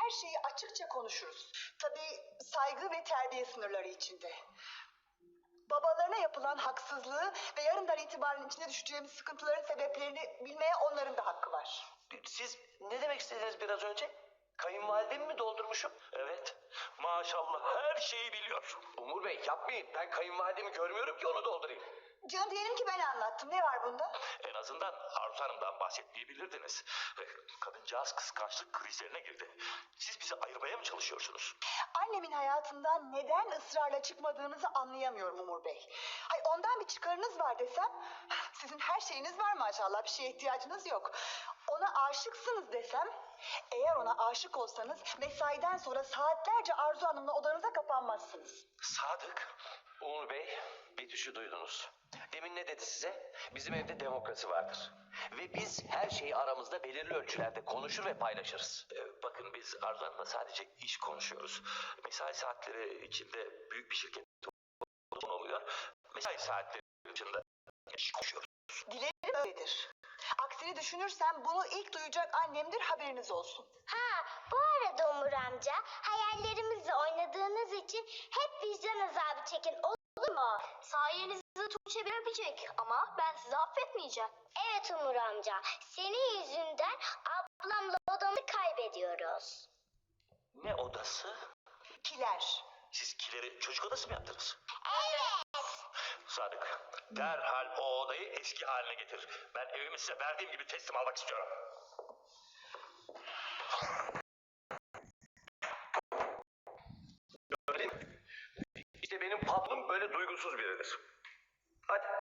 her şeyi açıkça konuşuruz. Tabii saygı ve terbiye sınırları içinde. Babalarına yapılan haksızlığı ve yarından itibaren içine düşeceğimiz sıkıntıların sebeplerini bilmeye onların da hakkı var. Siz ne demek istediniz biraz önce? Kayınvalidemi mi doldurmuşum? Evet. Maşallah her şeyi biliyor. Umur Bey yapmayın. Ben kayınvalidemi görmüyorum ki onu doldurayım. Canım diyelim ki ben anlattım. Ne var bunda? En azından Arzu Hanım'dan bahsetmeyebilirdiniz. Kadıncağız kıskançlık krizlerine girdi. Siz bizi ayırmaya mı çalışıyorsunuz? Annemin hayatından neden ısrarla çıkmadığınızı anlayamıyorum Umur Bey. Hay ondan bir çıkarınız var desem, sizin her şeyiniz var maşallah, bir şeye ihtiyacınız yok. Ona aşıksınız desem, eğer ona aşık olsanız mesaiden sonra saatlerce Arzu Hanım'la odanıza kapanmazsınız. Sadık. Umur Bey, Betüş'ü duydunuz. Demin ne dedi size? Bizim evde demokrasi vardır. Ve biz her şeyi aramızda belirli ölçülerde konuşur ve paylaşırız. Bakın biz Arzu Hanım'la sadece iş konuşuyoruz. Mesai saatleri içinde büyük bir şirket oluyor. Mesai saatleri dışında iş konuşuyoruz. Dilerim öyledir. Aksini düşünürsem bunu ilk duyacak annemdir, haberiniz olsun. Ha, bu arada Umur amca, hayallerimizle oynadığınız için hep vicdan azabı çekin, olur mu? Sayenizde Tuğçe beni öpecek ama ben sizi affetmeyeceğim. Evet Umur amca, senin yüzünden ablamla odamızı kaybediyoruz. Ne odası? Kiler. Siz kileri çocuk odası mı yaptınız? Evet. Sadık, derhal o odayı eski haline getir. Ben evimi size verdiğim gibi teslim almak istiyorum. Gördün mü? İşte benim patronum böyle duygusuz biridir. Hadi